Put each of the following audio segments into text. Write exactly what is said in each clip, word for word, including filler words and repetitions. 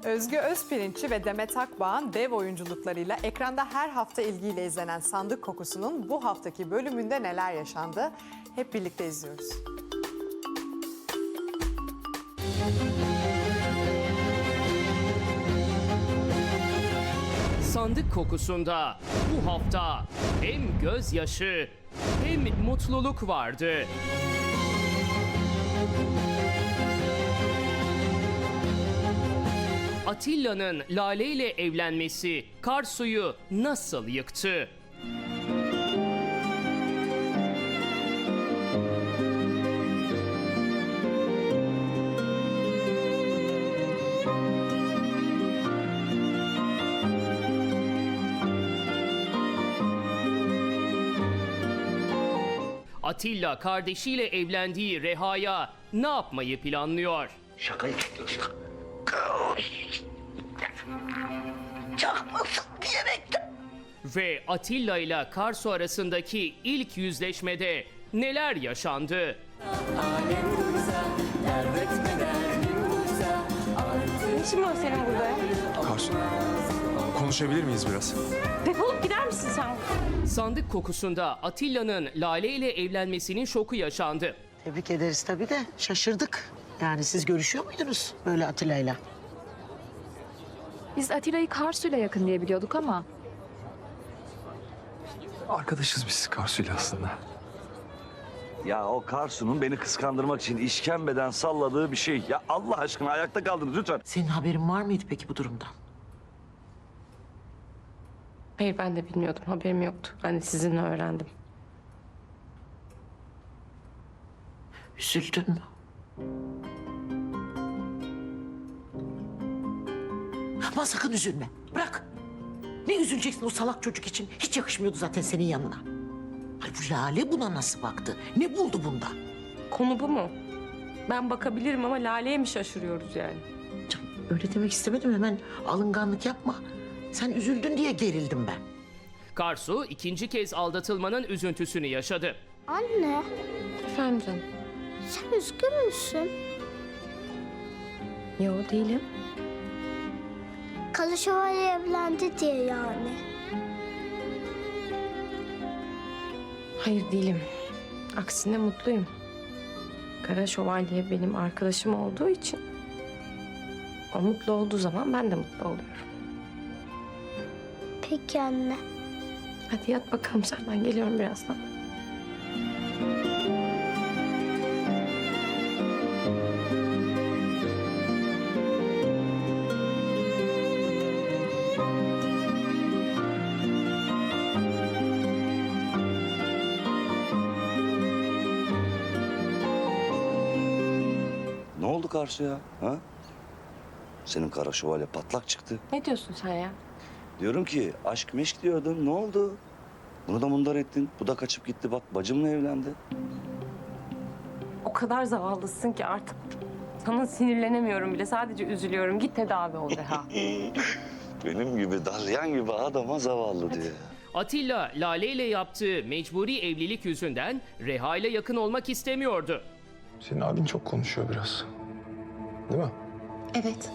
Özgü Özpirinççi ve Demet Akbağ'ın dev oyunculuklarıyla ekranda her hafta ilgiyle izlenen Sandık Kokusu'nun bu haftaki bölümünde neler yaşandı? Hep birlikte izliyoruz. Sandık Kokusu'nda bu hafta hem gözyaşı hem mutluluk vardı. Atilla'nın Lale ile evlenmesi Karsu'yu nasıl yıktı? Atilla kardeşiyle evlendiği Reha'ya ne yapmayı planlıyor? Şakayı çakmasın diyerekten. Ve Atilla ile Karsu arasındaki ilk yüzleşmede neler yaşandı? Ne işin var senin burada ya? Karsu, konuşabilir miyiz biraz? Defolup gider misin sen? Sandık Kokusu'nda Atilla'nın Lale ile evlenmesinin şoku yaşandı. Tebrik ederiz tabii de şaşırdık. Yani siz görüşüyor muydunuz böyle Atilla'yla? Biz Atilla'yı Karsu'yla yakın diye biliyorduk ama Arkadaşız biz Karsu'yla aslında. Ya o Karsu'nun beni kıskandırmak için işkembeden salladığı bir şey. Ya Allah aşkına ayakta kaldınız lütfen. Senin haberin var mıydı peki bu durumdan? Hayır, ben de bilmiyordum. Haberim yoktu. Ben de sizinle öğrendim. Üzüldün mü? Ama sakın üzülme. Bırak. Ne üzüleceksin o salak çocuk için? Hiç yakışmıyordu zaten senin yanına. Ay bu Lale buna nasıl baktı? Ne buldu bunda? Konu bu mu? Ben bakabilirim ama Lale'ye mi şaşırıyoruz yani? Canım, öyle demek istemedim, hemen alınganlık yapma. Sen üzüldün diye gerildim ben. Karsu ikinci kez aldatılmanın üzüntüsünü yaşadı. Anne, Efendim canım? sen üzgün müsün? Yo, değilim. Kalı Şövalye evlendi diye yani. Hayır, değilim. Aksine mutluyum. Kara Şövalye benim arkadaşım olduğu için o mutlu olduğu zaman ben de mutlu oluyorum. Peki anne. Hadi yat bakalım sen, ben geliyorum birazdan. Ne oldu Karsu'ya? Ha? Senin kara şövalye patlak çıktı. Ne diyorsun sen ya? Diyorum ki aşk meşk diyordun. Ne oldu? Bunu da mundar ettin. Bu da kaçıp gitti. Bak bacımla evlendi. O kadar zavallısın ki artık sana sinirlenemiyorum bile. Sadece üzülüyorum. Git tedavi ol Reha. Benim gibi dalyan gibi adama zavallı diyor. Atilla Lale ile yaptığı mecburi evlilik yüzünden Reha ile yakın olmak istemiyordu. Senin abin çok konuşuyor biraz. Değil mi? Evet.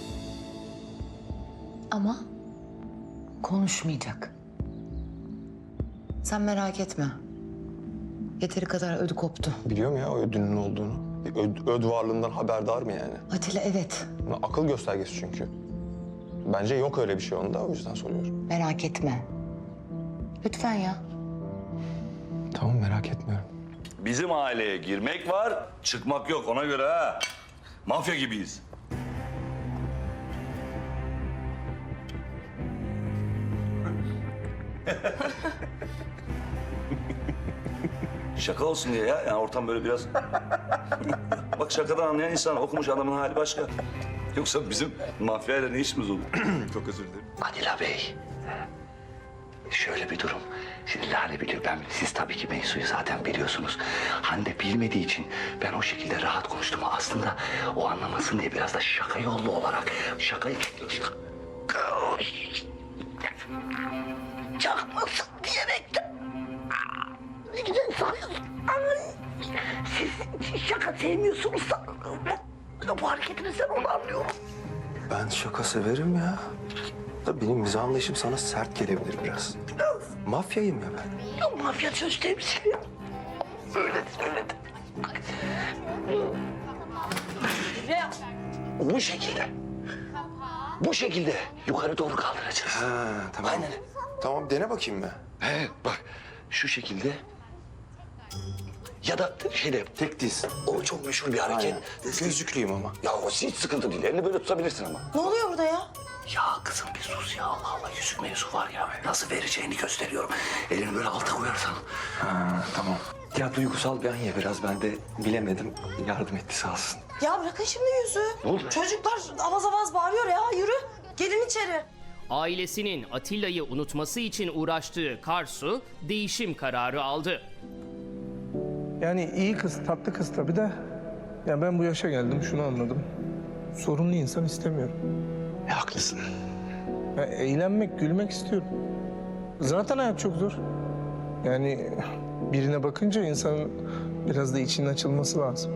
Ama konuşmayacak. Sen merak etme. Yeteri kadar ödü koptu. Biliyorum ya o ödünün olduğunu. Öd, öd varlığından haberdar mı yani? Atilla evet. Akıl göstergesi çünkü. Bence yok öyle bir şey onda, o yüzden soruyorum. Merak etme. Lütfen ya. Tamam, merak etmiyorum. Bizim aileye girmek var, çıkmak yok ona göre ha. Mafya gibiyiz. Şaka olsun diye ya. Yani ortam böyle biraz... Bak şakadan anlayan insan, okumuş adamın hali başka. Yoksa bizim mafyayla ne işimiz olur? Çok özür dilerim. Adila Bey. Şöyle bir durum. Şimdi Lale biliyor, ben siz tabii ki mevzuyu zaten biliyorsunuz. Hande bilmediği için ben o şekilde rahat konuştum. Aslında o anlamasın diye biraz da şaka yollu olarak şakayı çakmasın diyerekten. Ne güzel sanıyorsun. Siz şaka sevmiyorsunuz sanırım. Bu hareketinizden onu anlıyorum. Ben şaka severim ya. Da benim mizah anlayışım sana sert gelebilir biraz. Mafyayım ya ben. Ya mafya söz temsil. Söyledi, söyledi. Bu şekilde. Bu şekilde yukarı doğru kaldıracağız. Ha, tamam. Aynen. Tamam, dene bakayım be. He, bak şu şekilde. Ya da şeyde Tek diz. o çok meşhur bir hareket. Aynen. Gözlüklüyüm ama. Ya o hiç sıkıntı değil. Elini böyle tutabilirsin ama. Ne oluyor burada ya? Ya kızım bir sus ya. Allah Allah, yüzük mevzu var ya. Nasıl vereceğini gösteriyorum. Elini böyle alta koyarsan. Ha, tamam. Ya duygusal bir an ya biraz, ben de bilemedim. Yardım etti sağ olsun. Ya bırakın şimdi yüzü. Ne oldu be? Çocuklar avaz avaz bağırıyor ya. Yürü. Gelin içeri. Ailesinin Atilla'yı unutması için uğraştığı Karsu değişim kararı aldı. Yani iyi kız, tatlı kız tabii de. Ya ben bu yaşa geldim, şunu anladım. Sorunlu insan istemiyorum. E, haklısın. Ya eğlenmek, gülmek istiyorum. Zaten hayat çok zor. Yani birine bakınca insanın biraz da içinin açılması lazım.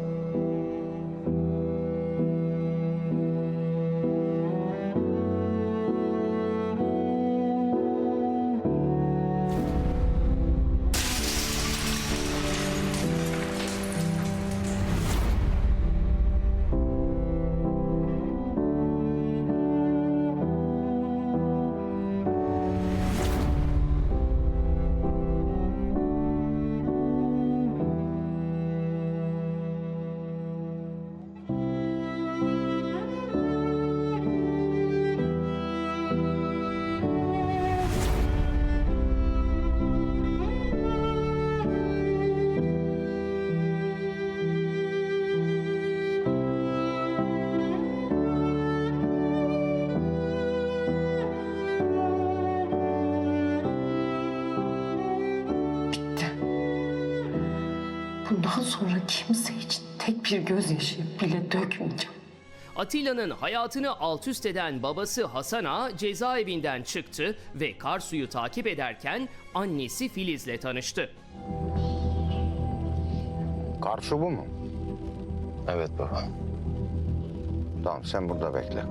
Bundan sonra kimse için tek bir gözyaşı bile dökmeyeceğim. Atilla'nın hayatını alt üst eden babası Hasan Ağa cezaevinden çıktı ve Karsu'yu takip ederken annesi Filiz'le tanıştı. Karsu bu mu? Evet baba. Tamam, sen burada bekle.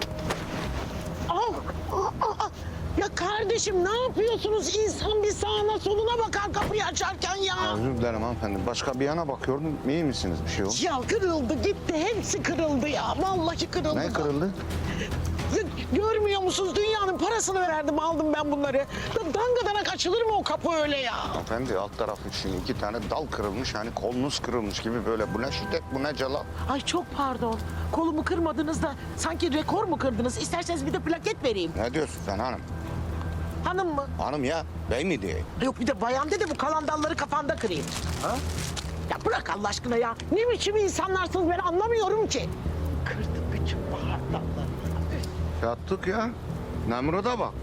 Ya kardeşim ne yapıyorsunuz? İnsan bir sağına soluna bakar kapıyı açarken ya. Özür dilerim hanımefendi. Başka bir yana bakıyordum. İyi misiniz? Bir şey yok. Ya kırıldı gitti. Hepsi kırıldı ya. Vallahi kırıldı. Ne kırıldı? Ya, görmüyor musunuz? Dünyanın parasını verdim aldım ben bunları. Ya, dangadanak açılır mı o kapı öyle ya? Hanımefendi alt tarafı için iki tane dal kırılmış. Hani kolunuz kırılmış gibi böyle. Bu ne şiddet, bu ne celal. Ay çok pardon. Kolumu kırmadınız da sanki rekor mu kırdınız? İsterseniz bir de plaket vereyim. Ne diyorsun sen hanım? Hanım mı? Hanım ya, bey mi diye? Yok bir de bayan dedi bu kalan dalları kafanda kırayım. Ha? Ya bırak Allah aşkına ya. Ne biçim insanlarsınız ben anlamıyorum ki. Kırdı bütün bahar dallarını. Yattık ya. Nemrut'a bak.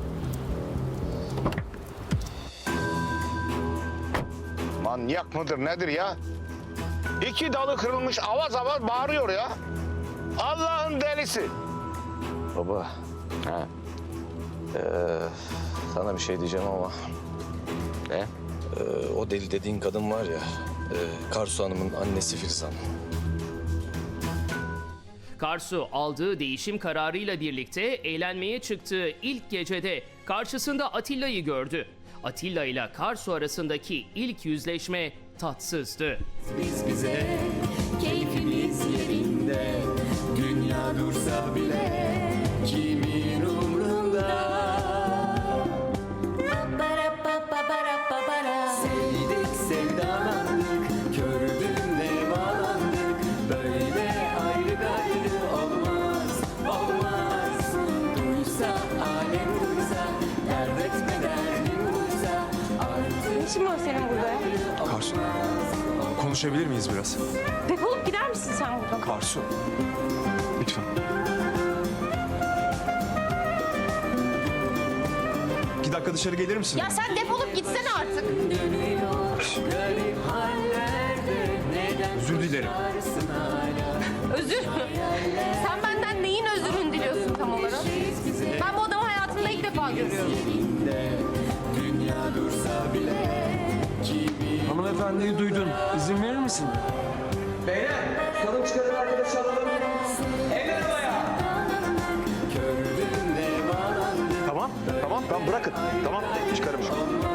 Manyak mıdır nedir ya? İki dalı kırılmış avaz avaz bağırıyor ya. Allah'ın delisi. Baba, He. ee, sana bir şey diyeceğim ama... Ne? Ee, o deli dediğin kadın var ya, e, Karsu Hanım'ın annesi Filiz Hanım. Karsu aldığı değişim kararıyla birlikte eğlenmeye çıktığı ilk gecede karşısında Atilla'yı gördü. Atilla ile Karsu arasındaki ilk yüzleşme tatsızdı. Biz bize keyfimiz yerinde, dünya dursa bile kimin umrunda. Sevdik sevdalandık, kördüğünde bağlandık. Böyle ayrı gayrı olmaz, olmaz. Duysa alem duysa, dert etme derdim buysa. Artık Ne işin var senin burada ya? Karsu, konuşabilir miyiz biraz? Defolup gider misin sen buradan? Karsu, lütfen. İki dakika dışarı gelir misin? Ya sen defolup gitsene artık. garip hallerde neden Özür dilerim. varsın hala? Özür mü? Sen benden neyin özürünü diliyorsun tam olarak? Ben bu adamı hayatımda ilk defa görüyorum. Dünya dursa bile kimin Hanımefendiyi duydun. İzin verir misin? Beyler, tutalım çıkarın arkadaşı alalım. Eller havaya. Tamam tamam bırakın. Tamam çıkarım ben.